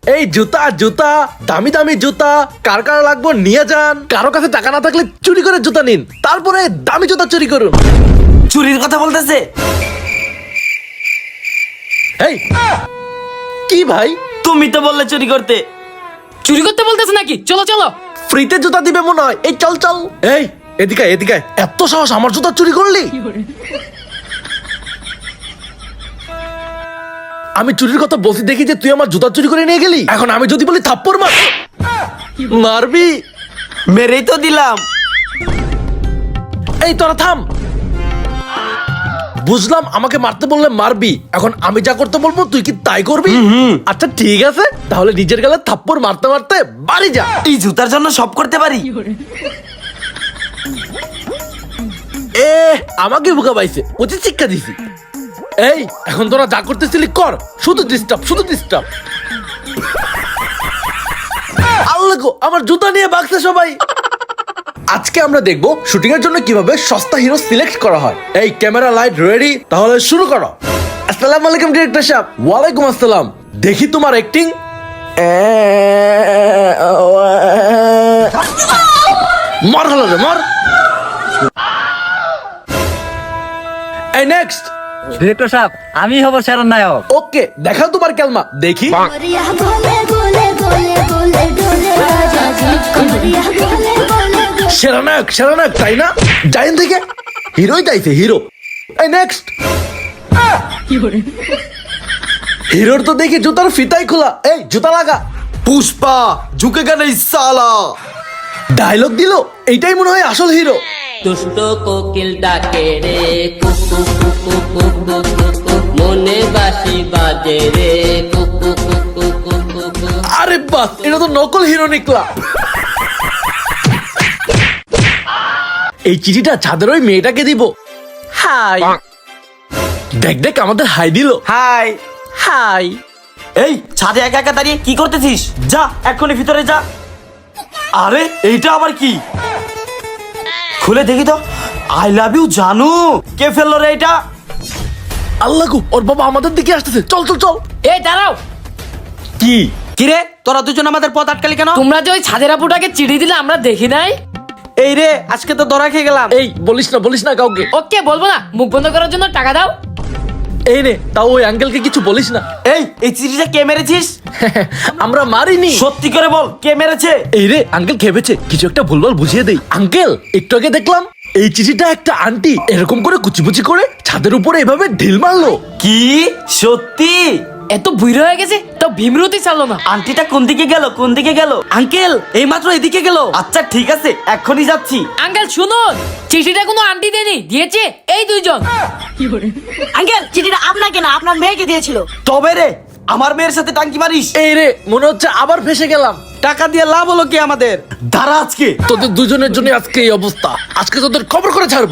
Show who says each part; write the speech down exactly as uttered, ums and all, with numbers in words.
Speaker 1: এই জুতা জুতা দামি দামি জুতা কার কার লাগবে নিয়ে যান। কারো কাছে টাকা না থাকলে চুরি করে জুতা নিন, তারপরে দামি জুতা চুরি করুন।
Speaker 2: চুরির কথা বলতেছে।
Speaker 1: এই কি ভাই,
Speaker 2: তুমি তো বললে চুরি করতে।
Speaker 3: চুরি করতে বলতেছে নাকি? চলো চলো।
Speaker 1: ফ্রিতে জুতা দিবে মনে হয়। এই চল চল। এই এদিকে এদিকে, এত সাহস আমার জুতা চুরি করলি? আমি চুরির কথা বলছি দেখি যে তুই আমার জুতা চুরি করে নিয়ে গেলি। এখন আমি যদি বলি থাপ্পড় মার, মারবি?
Speaker 2: মেরেই তো দিলাম।
Speaker 1: এই তোরা থাম। বুঝলাম আমাকে মারতে বললে মারবি, এখন আমি যা করতে বলবো তুই কি তাই করবি? আচ্ছা ঠিক আছে, তাহলে নিজের গালে থাপ্পড় মারতে মারতে বাড়ি যা।
Speaker 2: এই জুতার জন্য সব করতে পারি।
Speaker 1: এ আমাকে বোকা পাইছে, উচিত শিক্ষা দিছি। এই এখন তোরা যা করতেছিলি কর, শুধু ডিস্টার্ব শুধু ডিস্টার্ব। আল্লাহ গো, আমার জুতা নিয়ে ভাগছে সবাই। আজকে আমরা দেখবো শুটিং এর জন্য কিভাবে সস্তা হিরো সিলেক্ট করা হয়। এই ক্যামেরা লাইট রেডি, তাহলে শুরু করো। আসসালামু আলাইকুম ডিরেক্টর সাহেব। ওয়ালাইকুম আসসালাম। দেখি তোমার অ্যাক্টিং। মর হলো রে মর। এই নেক্সট।
Speaker 4: ডিরেক্টর সাহেব, আমি হব সেরা নায়ক।
Speaker 1: ওকে, দেখাও তোমার ক্যালমা দেখি।
Speaker 5: कमरिया बोले बोले बोले बोले डोले राजा जी कमरिया बोले बोले बोले
Speaker 1: সেরা নায়ক সেরা নায়ক তাই না? যাইন থেকে হিরোই চাইছে হিরো। এই নেক্সট। হিরোর তো দেখি জুতার ফিতাই খোলা। এই জুতা লাগা।
Speaker 2: পুষ্পা ঝুঁকে গেলে সালা।
Speaker 1: ডায়লগ দিল, এইটাই মনে হয় আসল হিরো।
Speaker 6: দুষ্ট কোকিল ডাকে রে কুকু কুকু কুকু কুকু মনে বাসি বাজে রে কুকু কুকু কুকু কুকু।
Speaker 1: আরে বাস, এটা তো নকল হিরো নিকলা। এই চিঠিটা ছাদের ওই মেয়েটাকে দিব। হাই। দেখ দেখ আমাদের হাই দিল।
Speaker 2: Hi
Speaker 1: hi.
Speaker 2: এই ছাদে একা একা দাঁড়িয়ে কি করতেছিস? যা এক্ষুনি ভিতরে যা। আরে এইটা আবার কি? খুলে দেখি তো। আই লাভ ইউ জানু। কে ফেললো রে এটা?
Speaker 1: আল্লাহ গো, ওর বাবা আমাদের দিকে আসতেছে। চল চল চল।
Speaker 3: এই দাঁড়াও,
Speaker 1: কি
Speaker 2: কিরে তোরা দুজন আমাদের পথ আটকালি কেন?
Speaker 3: তোমরা যে ওই ছাদের আপুটাকে চিঠি দিলে আমরা দেখি নাই।
Speaker 2: এই রে আজকে তো ধরা খেয়ে গেলাম।
Speaker 1: এই বলিস না বলিস না কাউকে।
Speaker 3: ওকে বলবো না, মুখ বন্ধ করার জন্য টাকা দাও।
Speaker 1: এই নে, তাও ওই আঙ্কেলকে কিছু বলিস না।
Speaker 2: এই এই চিঠিটা কে মেরেছিস?
Speaker 1: আমরা মারিনি।
Speaker 2: সত্যি করে বল কে মেরেছে?
Speaker 1: এই রে আঙ্কেল খেপেছে, কিছু একটা ভুলভাল বুঝিয়ে দেই। আঙ্কেল একটু আগে দেখলাম এই চিঠিটা একটা আন্টি এরকম করে কুচিপুচি করে ছাদের উপরে এভাবে ঢিল মারলো।
Speaker 2: কি সত্যি?
Speaker 3: এত বুড়ো হয়ে গেছে তো ভীমরতি চালো না।
Speaker 2: আন্টিটা কোন দিকে গেল কোন দিকে গেল? আঙ্কেল এই মাত্র এদিকে গেল। আচ্ছা ঠিক আছে এক্ষুনি যাচ্ছি।
Speaker 3: আঙ্কেল শুনুন, চিঠিটা কোনো আন্টি দেনি, দিয়েছে এই দুইজন।
Speaker 7: আঙ্কেল চিঠিটা আপনাকে না আপনার মেয়েকে দিয়েছিল।
Speaker 2: তবে রে আমার মেয়ের সাথে টাঙ্কি মারিস?
Speaker 1: এই রে মনে হচ্ছে আবার ফেসে গেলাম।
Speaker 2: টাকা দিয়ে লাভ হলো কি আমাদের? দাঁড়া আজকে
Speaker 1: তোদের দুজনের জন্য আজকে এই অবস্থা। আজকে তোদের খবর করে ছাড়বো।